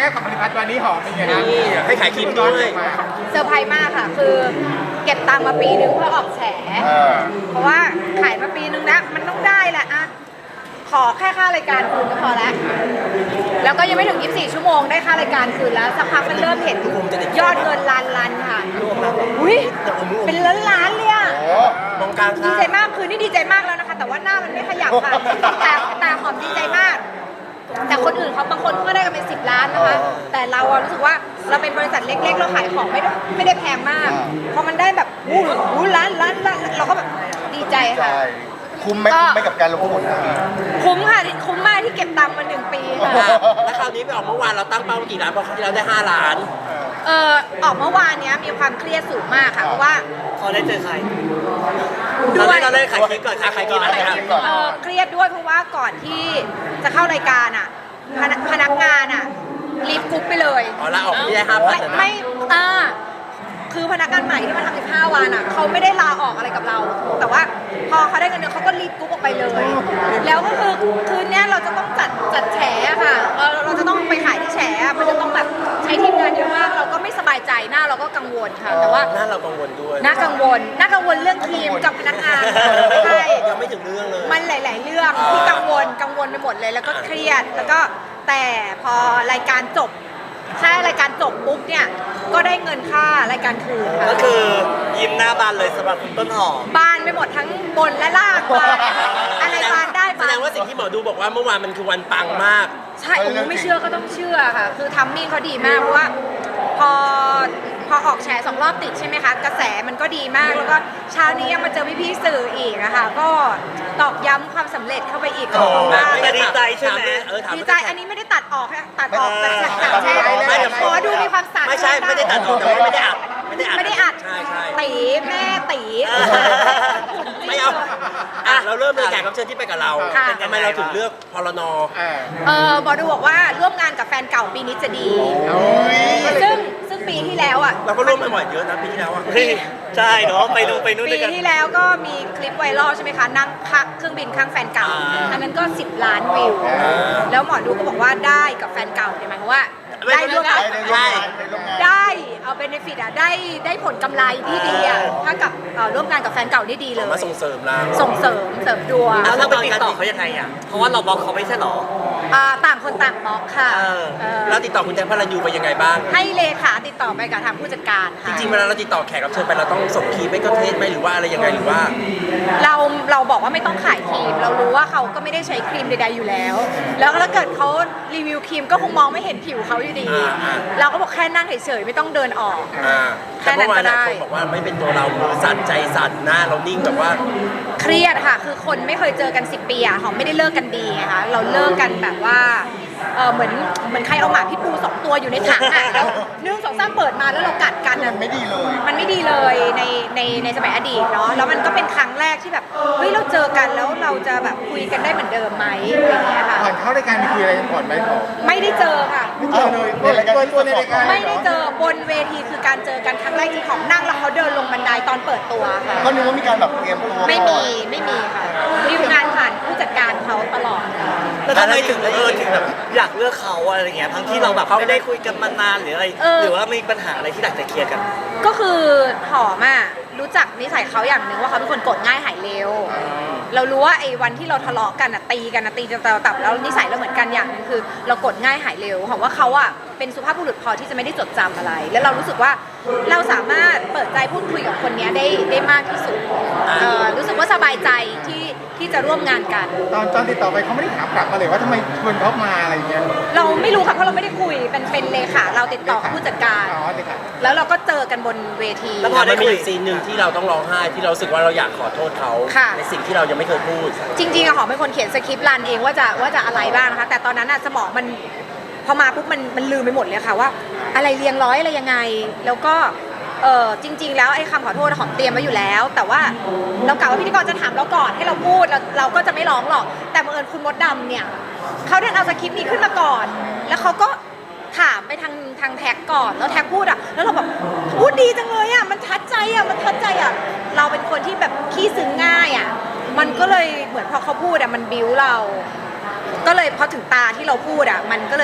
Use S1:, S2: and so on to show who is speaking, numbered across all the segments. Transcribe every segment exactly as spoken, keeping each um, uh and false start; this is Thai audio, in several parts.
S1: ครับกับผลิตภัณฑ์ตัวนี้หอมเป็นไงฮะ
S2: นี่ให้ขายครีมด้วย
S3: เซอร์ไพรส์มากค่ะ คือเก็บตังค์มาปีนึงเพื่อออกแฉ
S1: เออ
S3: เพราะว่าขายมาปีนึงแล้วมันต้องได้แหละอะขอแค่ค่ารายการคืนก็พอแล้ว แล้วก็ยังไม่ถึงยี่สิบสี่ชั่วโมงได้ค่ารายการคืนแล้วสักพักมันเริ่มเห็นยอดเงินล้านล้านค่ะอุ้ยเป็นล้านล้านเลยอะ
S1: โอ้
S2: มองกลาง
S3: ดี
S2: ค่ะ
S3: ใจมากคือนี่ดีใจมากแล้วนะคะ แต่ว่าหน้ามันไม่ขยับค่ะแต่แต่หอมดีใจมาก แต่คนอื่นเขาบางคนก็ได้กันเป็นสิบล้านนะคะ แต่เราอะรู้สึกว่าเราเป็นบริษัทเล็กๆ เราขายของไม่ได้ไม่ได้แพงมากพอมันได้แบบอู้หูล้านล้านล้านเราก็แบบดีใจค่ะ
S1: ใช่คุ้มไหมคุ้มไหมกับการลงทุนนะ
S3: คุ้มค่ะคุ้มมากที่เก็บตังค์มาหนึ่งปีค่ะ
S2: แล้วคราวนี้ไปออกเมื่อวานเราตั้งเป้ากี่ล้านเพราะคราวที่เราได้ห้าล้าน
S3: เออออกเมื่อวานเนี้ยมีความเครียดสูงมากค่ะเพราะว่า
S2: เขาได้เจอใคร
S3: ด้
S2: เรา
S3: วย
S2: ได้เราได้ขายคลิปก่อนขายคลิปอะไรครับ
S3: เออเครียดด้วยเพราะว่าก่อนที่จะเข้ารายการอ่ะพนักพนักงานอ่ะรีบกรุ๊ปไปเลย
S2: อ๋อลาออกไม่ได้ห้าพัน
S3: ไม่ไม่อ่าคือพนักงานใหม่ที่มาทำสิบห้าวันอ่ะเขาไม่ได้ลาออกอะไรกับเรา แต่ว่าพอเขาได้เงินเดือนเขาก็รีบกรุ๊ปออกไปเลย แล้วก็คือคืนนี้เราจะต้องจัดจัดแฉอะค่ะเออเราจะต้องไปขายที่แฉอะมันจะต้องแบบใช้ทีมงานเยอะมากเราก็ไม่สบายใจหน้าเราก็กังวลค่ะ แต่ว่า
S2: หน้าเรากังวลด้วย
S3: น่ากังวลน่ากังวลเรื่องครีมกับพนักงานใช่
S2: ยังไม่ถึงเรื่องเลย
S3: มันหลาย ๆ เรื่องที่กังวลกังวลไปหมดเลยแล้วก็เครียดแล้วก็แต่พอรายการจบแค่รายการจบปุ๊บเนี่ยก็ได้เงินค่ารายการคืนค่ะ
S4: ก็คือยิ้มหน้าบานเลยสำหรับคุณต้นหอม
S3: บานไปหมดทั้งบนและล่างบานอะไรบานได้
S2: แส
S3: บา
S2: ด
S3: น
S2: งว่าสิ่งที่หมอดูบอกว่าเมื่อวานมันคือวันปังมาก
S3: ใช่โอ้โหไม่เชื่อก็ต้องเชื่อค่ะ คือทัมมิ่งเขาดีมากเพราะว่าพอพอออกแชร์สองรอบติดใช่ไหมคะกระแสมันก็ดีมากแล้วก็เช้านี้ยังมาเจอพี่ๆสื่ออีกอะค่ะก็ตอกย้ำความสำเร็จเข้าไปอีกขอบคุณมาก
S4: แต่ดีใจใช่ไหม
S2: เออถาม
S3: ดีใจอันนี้ไม่ได้ตัดออกค่ะตัดออกจากฉากแช่
S2: ไม่เดี๋ยว
S3: ขอดูมีความสั่น
S2: ไม่ใช่ไม่ได้ตัดออกแต่ว่าไม่ได้อัดไม่ได้อัด
S3: ไม่ได้อัด
S2: ใช่ใช่
S3: ตีแม่ตี
S2: ไม่เอาอ่ะเราเริ่มเลยแขกรับเชิญที่ไปกับเรา
S3: ค่ะ
S2: ทำไมเราถึงเลือกพลน
S1: เออ
S3: เออหมอดูบอกว่าร่วมงานกับแฟนเก่าปีนี้จะดี
S1: โอ้ย
S3: ซึ่งซึ่งปีที่แล้วอ่ะ
S2: เราก็ร่วมมาบ่อยเยอะนะปีที่แล้วอะ
S4: เฮ้ยใช่เนาะไปดูไปนู่น
S3: ปี
S4: ด้วยกัน
S3: ที่แล้วก็มีคลิปไวรัลใช่ไหมคะนั่งพักเครื่องบินข้างแฟนเก่า อันนั้นก็สิบล้านวิว แล้วหมอดูก็บอกว่าได้กับแฟนเก่าเนี่ยหมายความว่าได้ร่วม
S1: ได้
S3: กับ
S1: ได้ร่วมงานได้ร่วมงาน
S3: ได้เอาเบนฟิตอ่ะได้ได้ผลกำไรที่ดีอ่ะถ้ากับเอ่อร่วมงานกับแฟนเก่านี่ดีเลย
S2: มาส่งเสริมเรา
S3: ส่งเสริมเสริมดวง
S4: แล้วเราไปติดต่อเขายังไงอ่ะ เพราะว่าเราบล็อกเขาไม่ใช่หรอ
S3: อ่าต่างคนต่างบล็อกค่ะ
S4: เออ
S3: เออ
S2: แล้วติดต่อคุณแจ็คพระรันยูไปยังไงบ้าง
S3: ให้เลขาติดต่อไปกับทางผู้จัดการ
S2: จ
S3: ค่ะ
S2: ริงๆเวลาเราติดต่อแขกรับเชิญไปเราต้องส่งคีย์ไม่ก็เทสไหมหรือว่าอะไรยังไงหรือว่า
S3: เราเราบอกว่าไม่ต้องขายครีม เรารู้ว่าเขาก็ไม่ได้ใช้ครีมใดๆอยู่แล้ว แล้วถ้าเกิดเขารีวิวครีมก็คงมองไม่เห็นผิวเขาอยู่ดี
S2: อ่าอ่า
S3: เราก็บอกแค่นั่งเฉยๆไม่ต้องเดินออก
S2: อ่า
S3: แค่
S2: แต่
S3: นั้
S2: เมื่
S3: น
S2: อวานหลาย
S3: ก็ได้
S2: คนบอกว่าไม่เป็นตัวเรามือสั่นใจสั่นหน้าเรานิ่งแบบว่า
S3: เครียดค่ะ คือคนไม่เคยเจอกันสิบปีอะหอมไม่ได้เลิกกันดีไงคะเราเลิกกันแบบว่าเออเหมือนเหมือนใครเอาหมาพิษบูสองตัวอยู่ในถังอะแล้วหนึ่งสองสามเปิดมาแล้วเรากัดกันอะ
S1: มันไม่ดีเลย
S3: มันไม่ดีเลยในในในสมัยอดีตเนาะแล้วมันก็เป็นครั้งแรกที่แบบเฮ้ยเราเจอกันแล้วเราจะแบบคุยกันได้เหมือนเดิมไหมอย่างเงี้ยค่ะ
S1: ก่อนเข้ารายการมีคุยอะไรกันก่อนไหมหอม
S3: ไม่ได้เจอค่ะ
S1: ไม่เจอเลยในรายการตัวในรายการ
S3: ไม่ได้เจอบนเวทีคือการเจอกันครั้งแรกที่หอมนั่งแล้วเขาเดินลงบันไดตอนเปิดตัวค่ะ
S1: ก็นึกว่ามีการแบบเตรียมตัว
S3: ไม่มีไม่มีค่ะดีลงานผ่านผู้จัดการเขาตลอดค่ะ
S4: แล้วทำไมถึงเออถึงแบบอยากเลือกเขาอะไรเงี้ย ทั้งที่เราแบบไม่ได้คุยกันมานานหรืออะไร
S3: เออ
S4: หรือว่ามีปัญหาอะไรที่อยากจะเคลียร์กัน
S3: ก็คือหอมอ่ะรู้จักนิสัยเขาอย่างหนึ่งว่าเขาเป็นคนโกรธง่ายหายเร็ว เรารู้ว่าไอ้วันที่เราทะเลาะกันอ่ะตีกันอ่ะตีจนตาตับแล้วนิสัยเราเหมือนกันอย่างหนึงคือ เราโกรธง่ายหายเร็วหอมว่าเขาอ่ะเป็นสุภาพบุรุษพอที่จะไม่ได้จดจำอะไร แล้วเรารู้สึกว่าเราสามารถเปิดใจพูดคุยกับคนเนี้ยได้ได้มากที่สุดเอ่อรู้สึกว่าสบายใจที่ที่จะร่วมงานกัน
S1: ตอนตอนติดต่อไปเขาไม่ได้ถามกลับมาเลยว่าทำไมชวนเขามาอะไรอย่างเงี้ย
S3: เราไม่รู้ค่ะเพราะเราไม่ได้คุยเป็นเป็นเลขาเราติดต่อกับผู้จัดการ
S1: อ๋อเลยค่ะ
S3: แล้วเราก็เจอกันบนเวที
S4: แล้วพ
S2: พ
S4: อ
S2: อ
S4: ได้
S2: มันมี
S4: คุย
S2: อยู่ซีนหนึ่งที่เราต้องร้องไห้ที่เรารู้สึกว่าเราอยากขอโทษเขา
S3: ค่ะ
S2: ในสิ่งที่เรายังไม่เคยพูด
S3: จริงๆอะหอมเป็นคนเขียนสคริปต์รันเองว่าจะว่าจะอะไรบ้างนะคะแต่ตอนนั้นอะสมองมันพอมาปุ๊บมันมันลืมไปหมดเลยค่ะว่า อะไรเรียงร้อยอะไรยังไง แล้วก็เออจริง ๆ แล้วไอ้คำขอโทษหอมเตรียมไว้อยู่แล้ว แต่ว่าเรากะว่าพิธีกรจะถามเราก่อนให้เราพูดเราเราก็จะไม่ร้องหรอกแต่บังเอิญคุณมดดำเนี่ยเขาเดินเอาสคริปต์นี้ขึ้นมาก่อน แล้วเขาก็ถามไปทางทางแท็กก่อนแล้วแท็กพูดอ่ะแล้วเราแบบพูดดีจังเลยอ่ะมันทัดใจอ่ะมันทัดใจอ่ะเราเป็นคนที่แบบขี้ซึ้งง่ายอ่ะมันก็เลยเหมือนพอเขาพูดอ่ะมันบิ้วเรา ก็เลยพอถึงตาที่เราพูดอ่ะมันก็เลย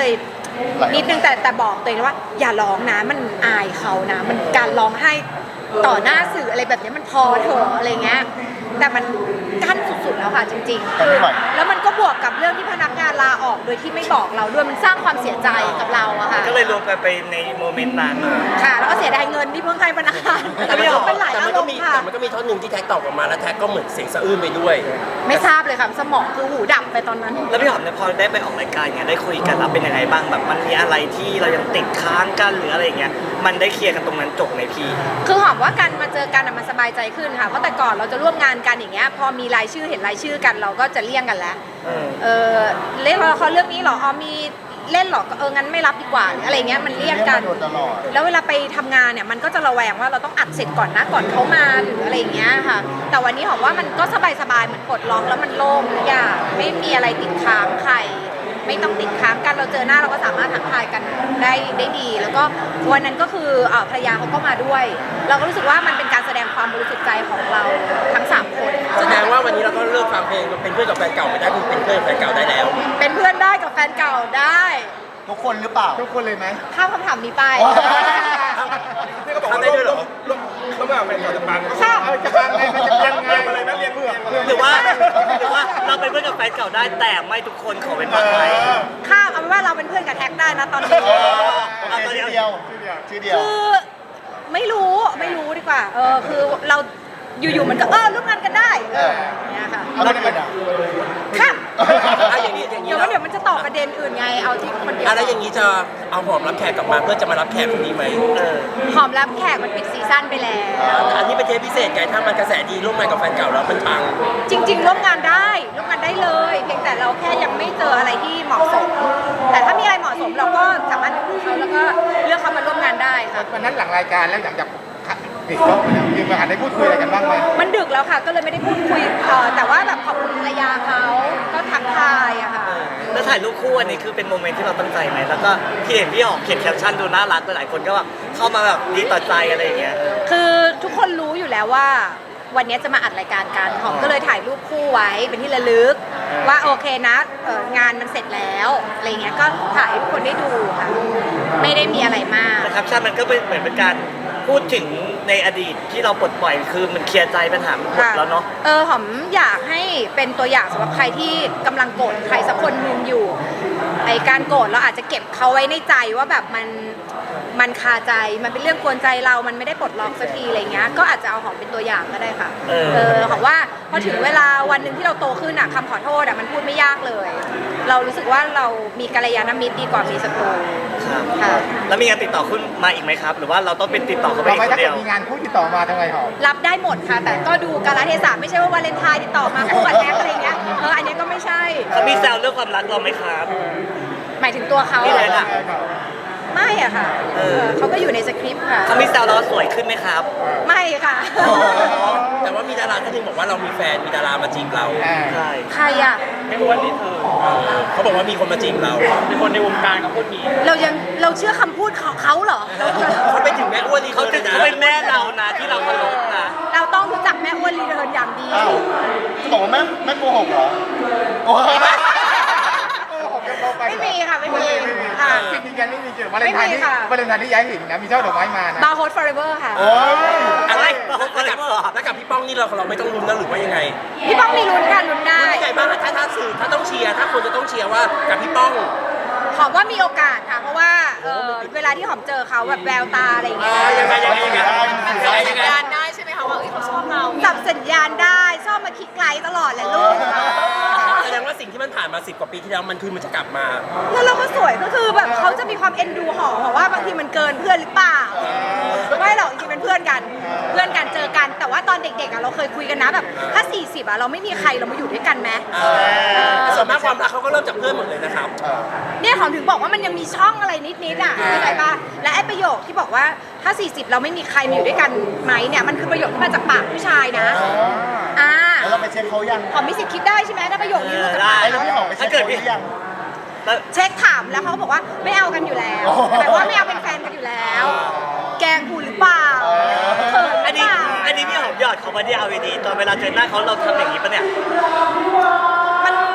S3: นิดนึงแต่แต่บอกตัวเองว่าอย่าร้องนะมันอายเขานะ มันการร้องไห้ต่อหน้าสื่ออะไรแบบนี้มันพอเถอะอะไรเงี้ยแต่มันกั้นสุดๆแล้วค่ะจริงๆคือแล้วมันก็บวกกับเรื่องที่พนักงานลาออกโดยที่ไม่บอกเราด้วยมันสร้างความเสียใจกับเราอะค่ะ
S4: ก็เลยรวมกันไปในโมเมนต์นั้น
S3: ค่ะแล้วก็เสียดายเงินที่เพิ่งให้พนักงาน
S2: แต่มันก็
S3: เป็นหลาย
S2: แต่
S3: อา
S2: มัน
S3: ร
S2: ก็
S3: ม
S2: มี
S3: ณ์ค่ะ
S2: แต่มันก็มีท่อนหนึ่งที่แท็กตอบออกมาแล้วแท็กก็เหมือนเสียงสะอื้นไปด้วย
S3: ไม่ทราบเลยค่ะสมองคือหูดับไปตอนนั้น
S4: แล้วพี่หอมเนี่ยพอได้ไปออกรายการเนี่ยได้คุยกันแล้วเป็นยังไงบ้างแบบมันมีอะไรที่เรายังติดค้างกันหรืออะไรอย่างเงี้ยมันได้เคลียร์กันตรงนั้นจบไหมพี่
S3: คือหอมว่าการมาเจอกันอะมันสบายใจขึ้นค่ะเพราะแต่ก่อนเราจะร่วมงานกันอย่างเงี้ยพอมีรายชื่อเห็นรายชื่อกันเราก็จะเลี่ยงกันแล้ว
S4: เออ
S3: เออเล่นละครเรื่องนี้เหรออ๋อมีเล่นเหรอก็เอองั้นไม่รับดีกว่าหรืออะไรเงี้ยมันเลี่ยงกัน
S1: โดนตลอด
S3: แล้วเวลาไปทำงานเนี่ยมันก็จะระแวงว่าเราต้องอัดเสร็จก่อนนะก่อนเขามาหรืออะไรอย่างเงี้ยค่ะ แต่วันนี้หอมว่ามันก็สบายๆเหมือนปลดล็อกแล้วมันโล่งทุกอย่างไม่มีอะไรติดค้างใคร ไม่ต้องติดค้างกันเราเจอหน้าเราก็สามารถทักทายกันได้ได้ดี แล้วก็วันนั้นก็คือเอ่อภรรยาเขาก็มาด้วย เราก็รู้สึกว่ามันเป็นการแสดงความบริสุทธิ์ใจของเราทั้งสามคน
S2: แสดงว่าวันนี้เราก็เลิกฟังเพลงเป็นเพื่อนกับแฟนเก่าไม่ได้คือเป็นเพื่อนกับแฟนเก่าได้แล้ว
S3: เป็นเพื่อนได้กับแฟนเก่าได้
S1: ทุกคนหรือเปล่าทุกคนเลยไหม
S3: ข้ามคำถามนี้ไป
S1: นี่ก็บอก
S2: ทำได้ด้วยเหรอ
S1: ต้องมาเป็นจะบังค่ะจะบังไงมันจะยังไงอะไรนะเรียนเพื่อน
S4: หรือว่าหรือว่าเราเป็นเพื่อนกับแฟนเก่าได้แต่ไม่ทุกคนขอเป็นบ้างไหม
S3: ข้ามเอาเป็นว่าเราเป็นเพื่อนกับแท็กได้นะตอนนี้
S4: เอาตัวเดียว
S1: ชื่อเดียวชื่อเดียว
S3: คือไม่รู้ไม่รู้ดีกว่า เออคือเราอยู่ๆมันก็เออร่วมงานกันได้เอออย่างเงี้ยค่ะ
S1: เอาไม่ได้อ่ะ
S3: ค่ะ
S2: อ่ะอย่างนี้อย่างนี้
S3: เดี๋ยว
S2: แล้ว
S3: เดี๋ยวมันจะตอบประเด็นอื่นไงเอาที่คนเดียว
S2: อ่ะแล้วอย่างนี้จะเอาหอมรับแขกกลับมาเพื่อจะมารับแขกคนนี้ไหม
S4: เออ
S3: หอมรับแขกมันปิดซีซั่นไปแล้ว
S2: อันนี้เป็นเทปพิเศษไงถ้ามันกระแสดีร่วมงานกับแฟนเก่าแล้วมันปัง
S3: จริงๆร่วมงานได้ร่วมงานได้เลย เพียงแต่เราแค่ยังไม่เจออะไรที่เหมาะสม แต่ถ้ามีอะไรเหมาะสมเราก็สามารถคุยเขาแล้วก็เลือกเขามาร่วมงานได้ค่ะ
S1: วันนั้นหลังรายการแล้วหลังจากติดก็มีมาหันได้พูดคุยอะไรกันบ้างไหม
S3: มันดึกแล้วค่ะ ก็เลยไม่ได้พูดคุยเอ่อแต่ว่าแบบขอบคุณภรรยาเขาก็ทักทายอะค่ะ
S4: แล้วถ่ายรูปคู่อันนี้คือเป็นโมเมนต์ที่เราตั้งใจไหมแล้วก็พี่เห็นพี่หอมเขียนแคปชั่นดูน่ารักหลายคนก็แบบเข้ามาแบบดีต่อใจอะไรอย่างเงี้ย
S3: คือทุกคนรู้อยู่แล้วว่าวันนี้จะมาอัดรายการกันหอมก็เลยถ่ายรูปคู่ไว้เป็นที่ระลึก ว่าโอเคนะเอ่องานมันเสร็จแล้วอะไรเงี้ยก็ถ่ายให้ทุกคนได้ดูค่ะ ไม่ได้มีอะไรมาก
S4: แต่แคปชั่นมันก็เป็นเหมือนเป็นการพูดถึงในอดีตที่เราปลดปล่อยคือมันเคลียร์ใจปัญหามันหมดแล้วเนาะ
S3: เออหอมอยากให้เป็นตัวอย่างสำหรับใครที่กำลังโกรธใครสักคนหนึ่งอยู่ไอการโกรธเราอาจจะเก็บเขาไว้ในใจว่าแบบมันมันคาใจมันเป็นเรื่องกวนใจเรามันไม่ได้ปลดล็อกสักทีอะไรเงี้ยก็อาจจะเอาหอมเป็นตัวอย่างก็ได้ค่ะ
S4: เออ
S3: เออหอมว่าพอถึงเวลาวันหนึ่งที่เราโตขึ้นอะคำขอโทษอะมันพูดไม่ยากเลย เรารู้สึกว่าเรามีกัลยาณมิตรดีกว่ามีศัตรู
S4: ครับ
S3: ค่ะ
S4: แล้วมีงานติดต่อขึ้นมาอีกไหมครับ หรือว่าเราต้องเป็นติดต่อเขาไป
S1: ต่อ
S4: เอง
S1: ไป
S4: ค
S1: ถ้าน
S4: เดี
S1: เกิ
S4: ย
S1: ด
S4: ว
S1: มีงานพูดติดต่อมาทำไมหอม
S3: รับได้หมดค่ะ แต่ก็ดูกาลเทศะไม่ใช่ว่าวาเลนไทน์ติดต่อมาคู่กับแท็กอะไรเงี้ยเอออันนี้ก็ไม่ใช่
S4: เขามีแซวเรื่องความรักเราไหมครับ
S3: หมายถึงตัวเขา
S4: นี่
S3: เหร
S4: เลย
S3: อ
S4: ค่ะ
S3: ไม่อะค่ะ
S4: เออ
S3: เขาก็อยู่ในสคริปต์ค่ะ
S4: เขามีแซวเราสวยขึ้นไหมครับ
S3: ไม่ค่ะ
S2: แต่ว่ามีดาราท่านหนึงบอกว่าเรามีแฟนมีดารามาจีบเรา
S1: อ่า
S4: ใช่
S3: ใครอะ
S4: ไม่รู้ว่านี่เธอ
S2: เขาบอกว่ามีคนมาจีบเรา
S4: เป็นคนในวงการเขาพูดงี้
S3: เรายังเราเชื่อคำพูดของเขาเหรอ
S2: เขาไปถึงแม่อ้วนนี่
S4: เขาถึงเขาเป็นแม่เรานะที่เราเคารพนะ
S3: เราต้องรู้จักแม่อ้วนรีเทิร์นอย่างดี
S1: อ้าวจะบอกว่าแม่แม่โกหกเหรอโกหกโกหกกันโกไป
S3: ไม่มีค่ะไม่มี
S1: ไม่มี
S3: ค่ะ
S1: จริงๆกันไม่มีเจอวาเลนไทน์
S3: ไม่มี
S1: ที่
S3: ค่ะ
S1: วาเลนไทน์ที่ย้ายหินนะมีช่อดอกไม้มานะ
S3: บาร์โฮสฟอร์เรเวอร์ค่ะ
S1: โอ้ย
S2: อะไร
S4: เราเขา
S2: แล้วกับ
S4: เขาเหรอ
S2: แล้วกับพี่ป้องนี่เราเราไม่ต้องลุ้นนะหรือว่ายังไง
S3: พี่ป้องมีลุ้นค่ะลุ้นได้
S2: ลุ้นยังไงบ้างถ้าถ้าสื่อถ้าต้องเชียร์ถ้าคนจะต้องเชียร์ว่ากับพี่ป้อง
S3: หอมว่ามีโอกาสค่ะ เพราะว่าเอ่อเวลาที่หอมเจอเขาแบบแววตาอะไรอย่างเงี้ย
S2: ยังไงยังไงยังไง
S3: มันจับสัญญาณได้ใช่ไหมคะว่าเอ้ยเขาชอบเราจับสัญญาณได้ชอบมาคิดไกลตลอดแหละลูก
S2: แสดงว่าสิ่งที่มันผ่านมาสิบกว่าปีที่แล้วมันคือมันจะกลับมา
S3: แล้วเราก็สวยก็คือแบบเขาจะมีความเอ็นดูหอมบอกว่าบางทีมันเกินเพื่อนหรือเปล่าไม่หรอกจริงๆเป็นเพื่อนกัน เพื่อนกันเจอกัน แต่ว่าตอนเด็กๆอ่ะเราเคยคุยกันนะแบบถ้าสี่สิบอ่ะเราไม่มีใครเรามาอยู่ด้วยกันไหม
S2: ส่วนมากความรักเขาก็เริ่มจากเพื่อนหมดเลยนะครับ
S3: เนี่ยหอมถึงบอกว่ามันยังมีช่องอะไรนิดๆอ่ะเข้าใจปะและไอ้ประโยคที่บอกว่าถ้าสี่สิบเราไม่มีใครมาอยู่ด้วยกันไหมเนี่ยมันคือประโยคที่มาจากปากผู้ชายนะอ่า
S1: แล้วเราไปเช็คเขายัง
S3: หอมมีสิทธิ์คิดได้ใช่ไหมถ้าประโยคนี้มาจากปาก
S1: ไอ้แล้วพี่หอมไปเช็คเขาหรือยัง
S4: แล้ว
S3: เช็คถามแล้วเขาก็บอกว่าไม่เอากันอยู่แล้วแต่ว่าไม่เอาเป็นแฟนกันอยู่แล้ว แกล้งกูหรือเปล่าเขินห
S4: อั
S3: รื
S4: น
S3: อ
S4: นี้
S3: เปล่า
S4: อันนี้พี่หอมหยอดเขามาที่เอาดีตอนเวลาเจอหน้าเขาเราทำอย่างนี้ปะเนี่ย
S3: มันมันสนิท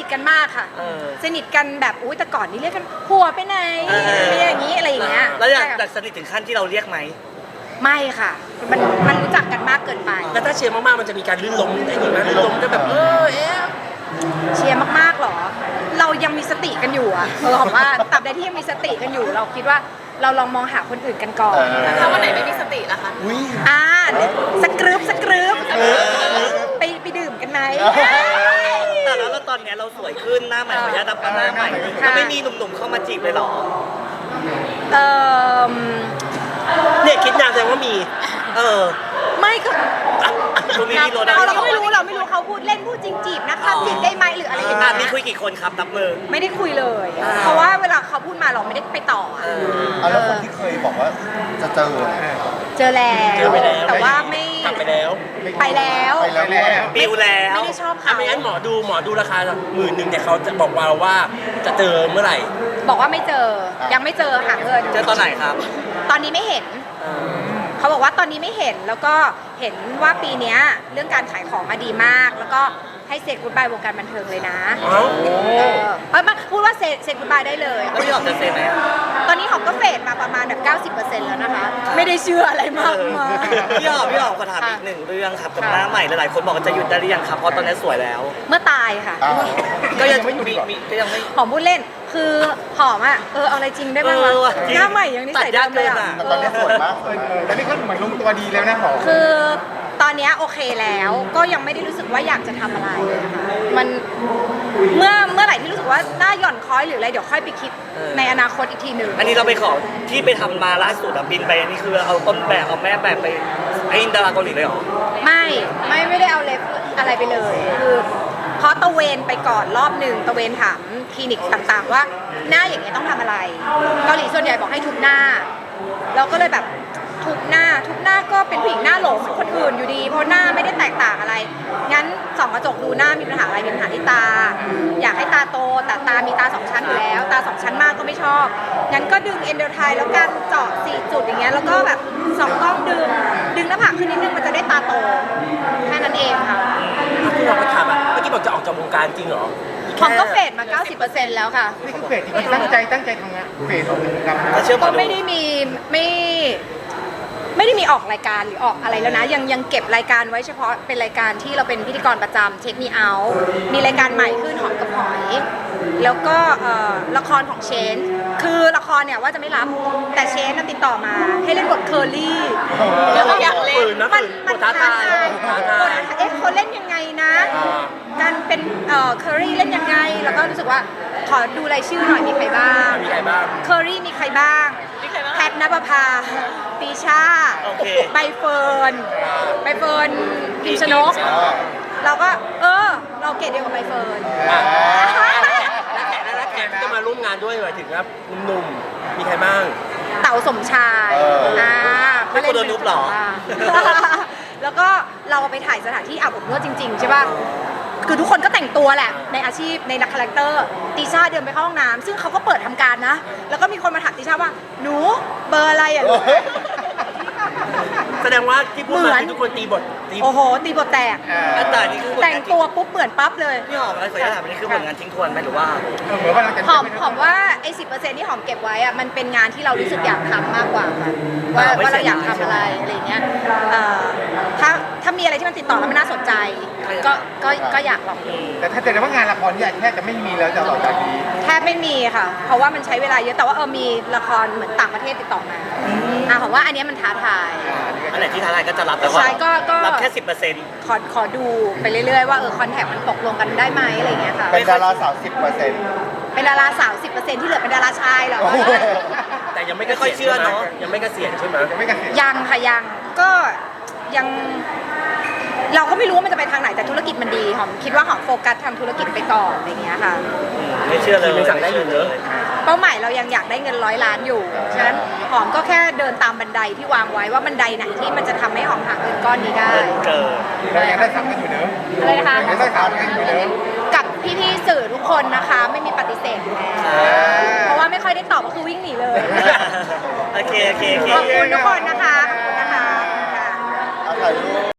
S3: ทกันมากค่ะ
S4: เออ
S3: สนิทกันแบบอุ้ยแต่ก่อนนี่เรียกกันหัวไปไหน
S4: เออ
S3: ไม่อย่างนี้อะไรอย่างเงี้ย
S4: แล้วอยาก
S3: ใช่
S4: อยากสนิทถึงขั้นที่เราเรียกไหม
S3: ไม่ค่ะ มันมันรู้จักกันมากเกินไป
S2: แล้วถ้าเชียร์มากๆมันจะมีการลื่นล้มได้ยินไหมลื่นล้มก็แบบเออเอ๊ะ
S3: เชียร์มากๆหรอ เรายังมีสติกันอยู่อะเออผมว่าตราบใดที่ยังมีสติกันอยู่ เราคิดว่าเราลองมองหาคนอื่นกันก่อน
S5: ถ้าวันไหนไม่มีสติล่ะคะ
S1: อุ้ย
S3: อ่าสกรึบสกรึบไปไปดื่มกันไหม
S4: แต่แล้วแล้วตอนเนี้ยเราสวยขึ้นหน้าใหม่ขออนุญาตนับหน้าใหม่แล้วไม่มีหนุ่มๆเข้ามาจีบเลยเหรอ
S3: เออ
S2: เนี่ยคิดนานแสดงว่ามี
S4: เออ
S3: ไม่ก็
S4: ตรงนี้มีโรด
S3: เราเราก็ไม่รู้เราไม่รู้เขาพูดเล่นพูดจริงจีบนะคะจีบได้ไหมหรืออะไรอย่าง
S4: อ่ะ
S3: เงี้
S4: มี
S3: ย
S4: คุยกี่คนครับนับมือ
S3: ไม่ได้คุยเลย เพราะว่าเวลาเขาพูดมาเราไม่ได้ไปต่ออะ
S1: เอาแล้วคนที่เคยบอกว่าจะเจอเนี่ย
S3: เจอแล้ว
S2: เจอไปแล้ว
S3: แต่ว่าไม่
S2: กลับไปแล้ว
S3: ไปแล้ว
S1: ไปแล้วด้วย
S4: ปิวแล้ว
S3: ไม่ได้ชอบ
S2: ถ้า
S3: เขา
S2: ไม่งั้นหมอดูหมอดูราคาหมื่นหนึ่งเนี่ยเขาจะบอกเราว่าจะเจอเมื่อไหร่
S3: บอกว่าไม่เจอยังไม่เจอหาเงิน
S4: เจอตอนไหนครับ
S3: ตอนนี้ไม่เห็น เขาบอกว่าตอนนี้ไม่เห็นแล้วก็เห็นว่าปีเนี้ยเรื่องการขายของมาดีมาก แล้วก็ให้เซ็กกูดบายวงการบันเทิงเลยนะ
S2: เอ้า
S3: เออเอ้ยมาพูดว่าเซ็กเซ็กกูดบายได้เลย
S4: แล้วพี่หอมจะเซ็นไหมอะ
S3: ตอนนี้หอมก็เฟดมาประมาณแบบ เก้าสิบเปอร์เซ็นต์ แล้วนะคะ ไม่ได้เชื่ออะไรมากมาย
S4: พี่หอมพี่หอมขอถามอีกหนึ่งเรื่องครับกับหน้าใหม่หลายๆคนบอกว่าจะหยุดได้หรือยังครับเพราะตอนนี้สวยแล้ว
S3: เมื่อตายค่ะ
S1: อ้าว
S4: ก็ยังมีมีก็ยังไม่
S3: หอมพูดเล่น คือหอมอ่ะ เออเอาอะไรจริงได้บ้างวะ
S4: เออว่ะจริง
S3: หน้าใหม่ยังนิสัยเดิมเลยอ่ะ
S4: ตัดยากเกินอะ
S1: แต่ตอนนี้สวยมากเลย
S6: ตอนนี้ก็เหมือนลงตัวดีแล้วนะหอม
S3: คือตอนเนี้ยโอเคแล้วก็ยังไม่ได้รู้สึกว่าอยากจะทำอะไรนะคะมันเมื่อเมื่อไหร่ที่รู้สึกว่าหน้าหย่อนคล้อยหรืออะไรเดี๋ยวค่อยไปคิดในอนาคตอีกทีหนึ่ง
S4: อันนี้เราไปขอที่ไปทำมาล่าสุดอะบินไปอันนี้คือเอาต้นแบบเอาแม่แบบไปไอ้ดาราเกาหลีเลยเหรอ
S3: ไม่ไม่ไม่ได้เอาเล็บอะไรไปเลยคือเพราะตะเวนไปก่อนรอบหนึ่งตะเวนถามคลินิกต่างๆ ว่าหน้าอย่างเงี้ยต้องทำอะไรเกาหลีส่วนใหญ่บอกให้ทุบหน้า เราก็เลยแบบทุบหน้าทุบหน้าก็เป็นผู้หญิงหน้าโหลเหมือนคนอื่นอยู่ดี เพราะหน้าไม่ได้แตกต่างอะไร งั้นส่องกระจกดูหน้ามีปัญหาอะไรมีปัญหาที่ตา อยากให้ตาโตแต่ตามีตาสองชั้นอยู่แล้ว ตาสองชั้นมากก็ไม่ชอบ งั้นก็ดึงเอนโดไทแล้วกันเจาะสี่จุดอย่างเงี้ยแล้วก็แบบส่องกล้องดึงดึงหน้าผากขึ้นนิดนึงมันจะได้ตาโตแค่นั้นเองค่ะ
S2: อ่ะพี่หมอไปถามอ่ะเมื่อกี้บอกจะออกจากวงการจริงเหรอ
S3: ผมก็เฟดมา เก้าสิบเปอร์เซ็นต์ แล้วค่ะ
S6: นี่คือเฟสที่ตั้งใจตั้งใจทำงานเฟสออกจากวงการ
S4: ก็เชื่อหม
S3: ก็
S4: อดู
S3: ไม่ได้มีไม่ไม่ได้มีออกรายการหรือออกอะไรแล้วนะ ยังยังเก็บรายการไว้เฉพาะเป็นรายการที่เราเป็นพิธีกรประจำเช็คมีเอามีรายการใหม่ขึ้นหอมกับหอย แล้วก็เอ่อละครของเชน คือละครเนี่ยว่าจะไม่รับแต่เชนน่ะติดต่อมาให้เล่นบทเคอรี่
S5: แล้วก็อยากเล่น
S2: ปืนนะ
S3: มั
S2: ปื
S3: น
S2: น
S3: มัน
S2: ท้าทาย
S3: ท้าทาย
S2: ท้า
S3: โอ้
S2: ทาย
S3: นะเอ๊ะเขาเล่นยังไงนะ
S2: อ่า
S3: การเป็นเอ่อเคอรี่เล่นยังไง แล้วก็รู้สึกว่าขอดูรายชื่อหน่อยมีใครบ้าง
S2: มีใครบ้าง
S3: เคอรี่มีใครบ้าง
S5: มีใครบ้าง
S3: แพทนภพาปีชา
S4: โอเค
S3: ใบเฟิร์นใบเฟิร์นพิมชนก เราก็ เออ เราเกรดเดียวกับใบเฟิร์น
S2: อ่ะแล้วแขกแล้วแขกที่จะมาร่วมงานด้วยหมายถึงว่าหนุ่มๆมีใครบ้าง
S3: เต๋าสมชาย
S1: เอออ่
S3: อ่า
S4: ไม่กลัวโดนทุบเหรอ
S3: แล้วก็เราไปถ่ายสถานที่อาบอบนวดจริง ๆ ใช่ป่ะ คือทุกคนก็แต่งตัวแหละในอาชีพในนักคาแรคเตอร์ติชาเดินไปเข้าห้องน้ำซึ่งเขาก็เปิดทำการนะ แล้วก็มีคนมาถามติชาว่า หนูเบอร์อะไรอ่ะลูก
S2: แสดงว่าที่พูด
S3: เหมื
S2: มา
S3: อน
S2: คือทุกคนตีบทตี
S3: โอ้โห ตีบทแตก
S4: อันแต่นี่คือผล
S3: แต่ง
S4: งาน
S3: ตัวปุ๊บเหมือนปั๊บเลย
S4: พี่หอมอะไรขออนุญาตถามอันนี้คือผลงานทิ้งทวนไหมหรือว่า
S6: เออเหมือนว่าเราจะ
S3: หอมหอมว่าไอ้สิบเปอร์เซ็นต์ที่หอมเก็บไว้อะมันเป็นงานที่เรารู้สึกอยากทำมากกว่าค่ะว่า
S4: อ่าไม่
S3: ว่าเราอยาก
S4: เสียดาย
S3: ทำอะไรอะไรเงี้ยเอ่อถ้าถ้ามีอะไรที่มันติดต่อแล้วมันน่าสนใจ ก็ก็ก็อยากลองดู
S6: แต่ถ้าแต่ว่างานละครเนี่ยแทบจะไม่มีแล้วจะต่อจากนี้
S3: แทบไม่มีค่ะ เพราะว่ามันใช้เวลาเยอะแต่ว่าเออมีละครเหมือนต่างประเทศติดต่อมาอ่ะหอมว่าอันเนี้ยมันท้าทาย
S4: อันไหนที่ท้าทายก็จะรับแต่ว่า
S3: ใช่ก็ก็
S4: รับแค่สิบเปอร์เซ็นต์
S3: ขอขอดูไปเรื่อยๆว่าเออคอนแทคมันตกลงกันได้ไหมอะไรเงี้ยค่ะ
S1: เป็นดาราสาวสิบเปอร์เซ็นต์
S3: เป็นดาราสาวสิบเปอร์เซ็นต์ที่เหลือเป็นดาราชายเหรอ
S2: แต่ยังไม่
S4: ไม่ค่อยเชื่อเนอะ
S2: ยังไม่เกษียณใช่ไหม
S6: ยังไม่เกษียณ
S3: ยังค่ะยังก็ยังเราก็ไม่รู้ว่ามันจะไปทางไหนแต่ธุรกิจมันดีหอมคิดว่าหอมโฟกัสทางธุรกิจไปก่อนอะไรเงี้ยค่ะ
S4: ไม่เชื่อเลย
S2: คือมันสั่งได้อยู่เนอะ
S3: เป้าหมายเรายังอยากได้เงินร้อยล้านอยู่ฉะนั้นหอมก็แค่เดินตามบันไดที่วางไว้ว่าบันไดไหนที่มันจะทำให้หอมหาเงินก้อนนี้ได้
S4: เกิด
S6: เรายังได้ซ้ำกันอยู่เนอะ
S3: อะไรนะคะ
S6: ยังได้ซ้ำกันอยู่เนอะ
S3: กับพี่ๆสื่อทุกคนนะคะไม่มีปฏิเสธอยู่แล้วเพราะว่าไม่ค่อยได้ตอบก็คือวิ่งหนีเลย
S4: โอเคโอเคโอเค
S3: ขอบคุณทุกคนนะคะขอบคุณนะคะ
S1: เอาถ่ายรูป